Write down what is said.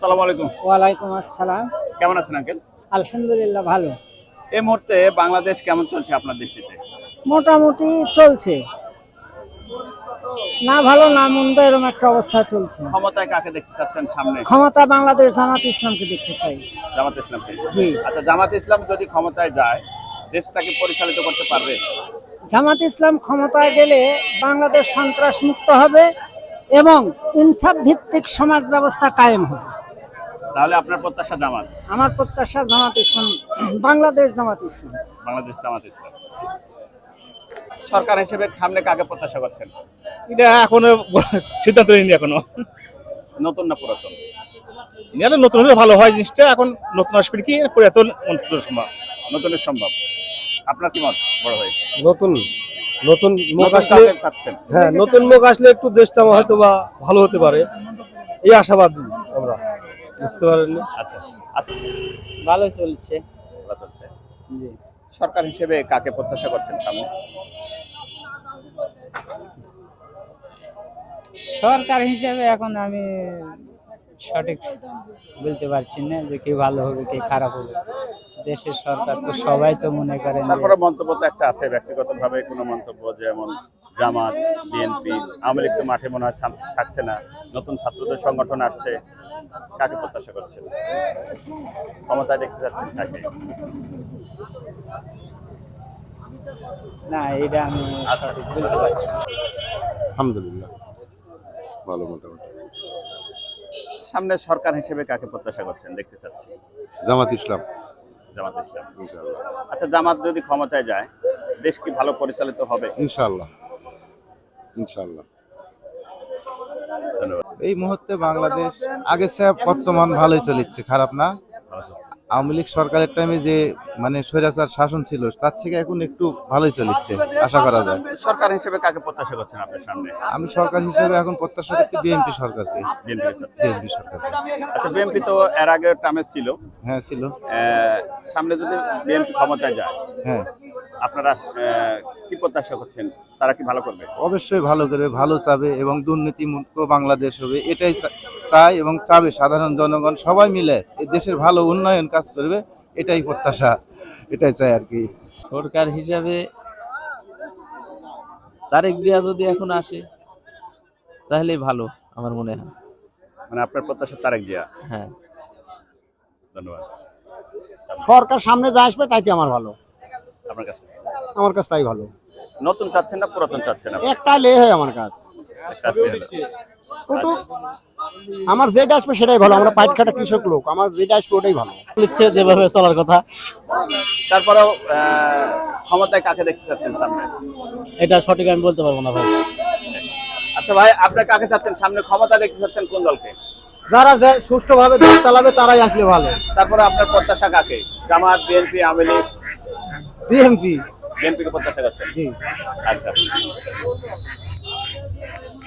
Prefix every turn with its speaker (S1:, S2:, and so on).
S1: আসসালামু আলাইকুম।
S2: ওয়ালাইকুম আসসালাম।
S1: কেমন আছেন আঙ্কেল?
S2: আলহামদুলিল্লাহ ভালো।
S1: এই মুহূর্তে বাংলাদেশ কেমন চলছে আপনার দৃষ্টিতে?
S2: মোটামুটি চলছে। না ভালো না মন্দ এরকম একটা অবস্থা চলছে।
S1: ক্ষমতায় কাকে দেখতে চাচ্ছেন সামনে?
S2: ক্ষমতা বাংলাদেশ জামাত ইসলামকে দেখতে চাই।
S1: জামাত ইসলামকে।
S2: জি।
S1: আচ্ছা, জামাত ইসলাম যদি ক্ষমতায় যায়, দেশটাকে পরিচালিত করতে পারবে?
S2: জামাত ইসলাম ক্ষমতায় গেলে বাংলাদেশ সন্ত্রাস মুক্ত হবে এবং ইনসাফ ভিত্তিক সমাজ ব্যবস্থা কায়েম হবে।
S1: তাহলে আপনার প্রত্যাশা জামাত?
S2: আমার প্রত্যাশা জামাত ইসলাম, বাংলাদেশ জামাত ইসলাম।
S1: বাংলাদেশ জামাত ইসলাম। সরকার হিসেবে সামনে কাকে প্রত্যাশা করছেন?
S3: এটা এখনো সিদ্ধান্ত নিইনি এখনো।
S1: নতুন না পুরাতন?
S3: এটা নতুন হলে ভালো হয় জিনিসটা। এখন নতুন আসবে কি পুরাতন মন্ত্রিত্ব সম্ভব।
S1: নতুনের সম্ভব। আপনার কি মত বড় ভাই?
S4: নতুন নতুন মুখ
S1: নতুন
S4: আসলে,
S1: কাকে চাচ্ছেন?
S4: হ্যাঁ নতুন মুখ আসলে একটু দেশটা হয়তো বা ভালো হতে পারে, এই আশাবাদী আমরা। বুঝতে পারেন?
S1: আচ্ছা আচ্ছা,
S2: ভালো চলছে।
S1: ভালো চলছে। সরকার হিসেবে কাকে প্রত্যাশা করছেন সামনে?
S2: সরকার হিসেবে এখন আমি সঠিক বলতে পারছি না যে কি ভালো হবে কি খারাপ হবে। দেশের সরকার তো সবাই তো মনে করেন
S1: তারপরে মন্তব্য তো একটা আছে, ব্যক্তিগতভাবে কোনো মন্তব্য, যেমন জামাত, বিএনপি, আওয়ামী লীগ তো মাঠে মনে হয় থাকছে না, নতুন ছাত্রদের সংগঠন আসছে, কাকে প্রত্যাশা করছেন? ক্ষমতায় দেখতে যাচ্ছেন কাকে?
S2: না, এটা আমি সঠিক বলতে পারছি না।
S4: আলহামদুলিল্লাহ ভালো মোটামুটি।
S1: সামনে সরকার হিসেবে কাকে প্রত্যাশা করছেন, দেখতে চাচ্ছি?
S4: জামাত ইসলাম
S1: জামাত ইসলাম।
S4: ইনশাআল্লাহ।
S1: আচ্ছা, জামাত যদি ক্ষমতায় যায়, দেশ কি ভালো পরিচালিত হবে?
S4: ইনশাআল্লাহ ইনশাআল্লাহ।
S1: ধন্যবাদ।
S5: এই মুহূর্তে বাংলাদেশ আগে চেয়ে বর্তমান ভালোই চলেছে, খারাপ না। আওয়ামী লীগ সরকারের টাইমে যে মানে স্বৈরাচার শাসন ছিল, তার থেকে এখন একটু ভালোই চলেছে, আশা করা যায়।
S1: সরকার হিসেবে কাকে প্রত্যাশা করছেন আপনার সামনে?
S5: আমি সরকার হিসেবে এখন প্রত্যাশা করছি বিএনপি সরকারকে।
S1: বিএনপি
S5: সরকারকে।
S1: আচ্ছা, বিএনপি তো এর আগে টার্মে ছিল।
S5: হ্যাঁ ছিল।
S1: সামনে যদি বিএনপি ক্ষমতায় যায়,
S5: হ্যাঁ
S1: আপনারা কি প্রত্যাশা করছেন? তারা কি ভালো করবে?
S5: অবশ্যই ভালো করে, ভালো চাবে এবং দুর্নীতি মুক্ত বাংলাদেশ হবে, এটাই চায় এবং চাবে সাধারণ জনগণ সবাই মিলে এই দেশের ভালো উন্নয়ন কাজ করবে, এটাই প্রত্যাশা, এটাই চাই আর কি।
S6: সরকার হিসাবে তারেক জিয়া যদি এখন আসে তাহলে ভালো আমার মনে হয়।
S1: মানে আপনার প্রত্যাশা তারেক জিয়া?
S6: হ্যাঁ।
S1: ধন্যবাদ।
S4: সরকার সামনে যা আসবে তাইতে আমার ভালো,
S1: আপনার কাছে
S4: আমার কাছে তাই ভালো।
S1: নতুন চাচ্ছেন না পুরাতন চাচ্ছেন?
S4: একটা লে হয় আমার কাছ ওটু, আমার যেটা আসবে সেটাই ভালো। আমরা পাইট খাটা কৃষক লোক, আমার যেটা আসবে ওটাই ভালো।
S6: ইচ্ছে যেভাবে চলার কথা।
S1: তারপরেও ক্ষমতায় কাকে দেখতে চাচ্ছেন সামনে?
S6: এটা সঠিক আমি বলতে পারবো না ভাই।
S1: আচ্ছা ভাই, আপনি কাকে চাচ্ছেন সামনে? ক্ষমতা দেখতে চাচ্ছেন কোন দলকে?
S4: যারা সুষ্ঠুভাবে দেশ চালাবে তারাই আসলে ভালো।
S1: তারপরে আপনার প্রত্যাশা কাকে? জামাত, বিএনপি, আওয়ামী লীগ?
S4: বিএনপি।
S1: বিএনপি কে প্রত্যাশা করছেন?
S4: জি।
S1: আচ্ছা।